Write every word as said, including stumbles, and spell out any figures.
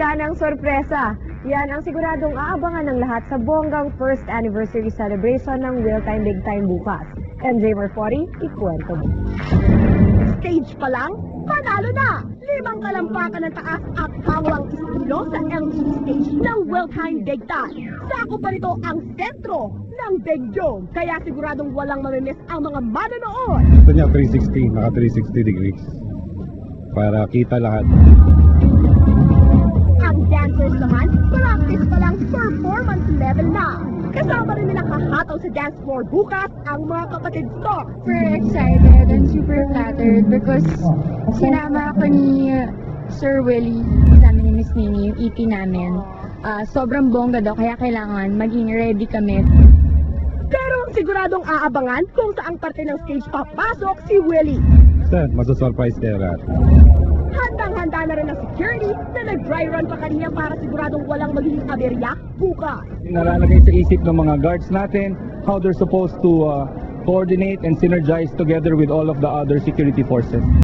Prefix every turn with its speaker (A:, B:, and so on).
A: Yan ang sorpresa. Yan ang siguradong aabangan ng lahat sa bonggang first anniversary celebration ng Real Time Big Time bukas. M J Marfori, ikwento mo.
B: Stage pa lang, panalo na! Limang kalampakan ng taas at hawang estilo sa L T V stage ng Real Time Big Time. Sako pa rito ang sentro ng Big Dome, kaya siguradong walang mamimiss ang mga manonood.
C: Gusto niya three sixty, naka three sixty degrees. Para kita lahat.
B: Ang dancers naman, practice pa lang performance level na. Kasama rin nila kahataw sa dance floor bukas ang mga kapatid Star.
D: Super excited and super flattered because sinama ako ni Sir Willie, kasama ni Miss Nini, yung E P namin. Ah, sobrang bongga daw, kaya kailangan maging ready kami.
B: Pero ang siguradong aabangan kung saang parte ng stage papasok si Willie.
C: Basta, masasurprise kayo lahat.
B: Handang-handa na rin ang security na nag-dry run pa kanina para siguradong walang magiging aberya bukas.
E: Nalalagay sa isip ng mga guards natin how they're supposed to uh, coordinate and synergize together with all of the other security forces.